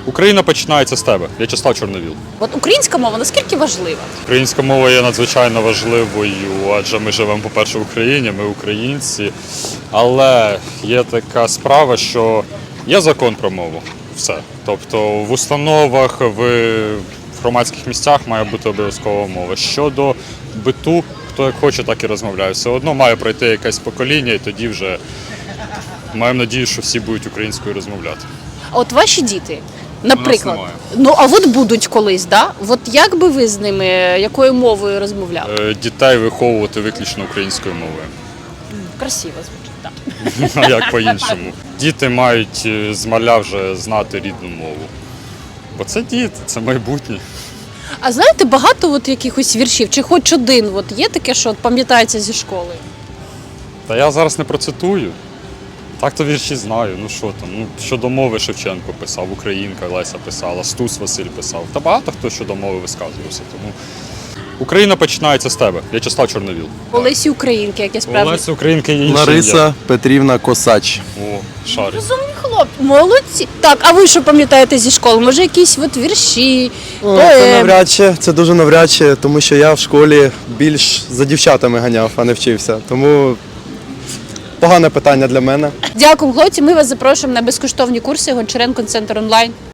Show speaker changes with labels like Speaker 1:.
Speaker 1: Україна починається з тебе. В'ячеслав Чорновіл.
Speaker 2: От українська мова наскільки важлива?
Speaker 1: Українська мова є надзвичайно важливою, адже ми живемо, по-перше, в Україні, ми українці. Але є така справа, що є закон про мову. Все. Тобто в установах, в громадських місцях має бути обов'язкова мова. Щодо биту, хто як хоче, так і розмовляє. Все одно має пройти якесь покоління, і тоді вже маємо надію, що всі будуть українською розмовляти.
Speaker 2: А от ваші діти, наприклад,
Speaker 1: немає.
Speaker 2: ну а от будуть колись, да? От як би ви з ними, якою мовою розмовляли?
Speaker 1: Дітей виховувати виключно українською мовою.
Speaker 2: Красиво звучить, так.
Speaker 1: А як по-іншому? Діти мають з маля вже знати рідну мову. Бо це діти, це майбутнє.
Speaker 2: А знаєте, багато от якихось віршів, чи хоч один от є таке, що от пам'ятається зі школи?
Speaker 1: Та я зараз не процитую. Так-то вірші знаю. Ну що там? Ну, щодо мови Шевченко писав, Українка Леся писала, Стус Василь писав. Та багато хто щодо мови висказувався. Тому Україна починається з тебе. В'ячеслав Чорновіл.
Speaker 2: Олесі Українки, яке справді.
Speaker 1: Олеся Українки є іншим.
Speaker 3: Лариса Петрівна Косач.
Speaker 1: О, шарик.
Speaker 2: Розумні хлопці, молодці. Так, а ви що пам'ятаєте зі школи? Може, якісь от вірші,
Speaker 3: Це
Speaker 2: поеми?
Speaker 3: навряд чи, це дуже навряд чи, тому що я в школі більш за дівчатами ганяв, а не вчився. Тому погане питання для мене.
Speaker 2: Дякую, хлопці. Ми вас запрошуємо на безкоштовні курси Гончаренко Центр онлайн.